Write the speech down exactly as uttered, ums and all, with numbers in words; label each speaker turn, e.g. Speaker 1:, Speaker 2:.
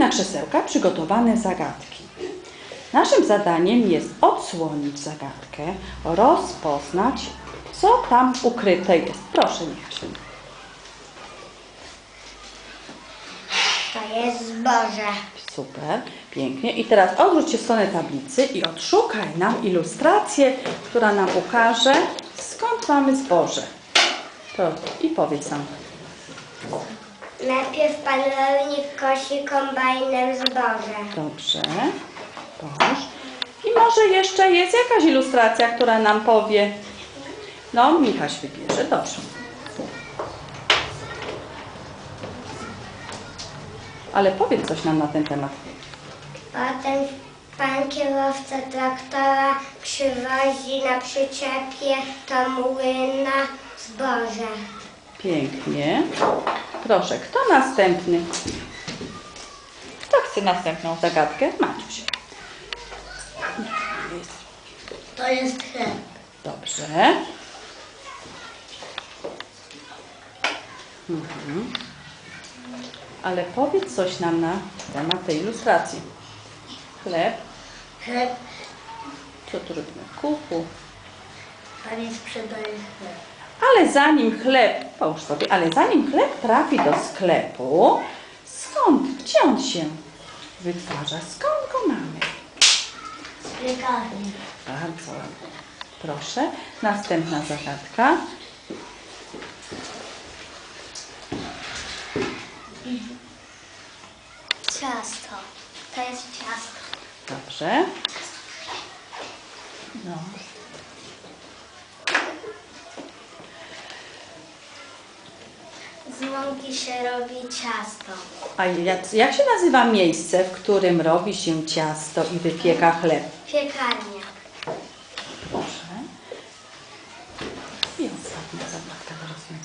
Speaker 1: na krzesełka przygotowane zagadki. Naszym zadaniem jest odsłonić zagadkę, rozpoznać, co tam ukryte jest. Proszę, Michasiu.
Speaker 2: To jest zboże.
Speaker 1: Super, pięknie. I teraz odwróć się w stronę tablicy i odszukaj nam ilustrację, która nam ukaże, skąd mamy zboże. To i powiedz nam.
Speaker 2: Najpierw pan rolnik kosi kombajnem zboże.
Speaker 1: Dobrze, połóż. I może jeszcze jest jakaś ilustracja, która nam powie. No, Michaś wybierze, dobrze. Ale powiedz coś nam na ten temat.
Speaker 2: Potem pan kierowca traktora przywozi na przyczepie do młyna zboże.
Speaker 1: Pięknie. Proszę, kto następny? Kto chce następną zagadkę? Maciuś.
Speaker 2: To jest chleb.
Speaker 1: Dobrze. Mhm. Ale powiedz coś nam na temat tej ilustracji. Chleb.
Speaker 2: Chleb.
Speaker 1: Co tu robimy? Kuchu.
Speaker 2: Pani sprzedaje chleb.
Speaker 1: Ale zanim chleb, połóż sobie, ale zanim chleb trafi do sklepu, skąd, gdzie on się wytwarza? Skąd go mamy?
Speaker 2: Z piekarni.
Speaker 1: Bardzo ładnie. Proszę, następna zagadka.
Speaker 2: Ciasto. To jest ciasto.
Speaker 1: Dobrze. No.
Speaker 2: Z mąki się robi ciasto.
Speaker 1: A jak, jak się nazywa miejsce, w którym robi się ciasto i wypieka chleb?
Speaker 2: Piekarnia.
Speaker 1: Proszę. I ostatnia zagadka do rozwiązania.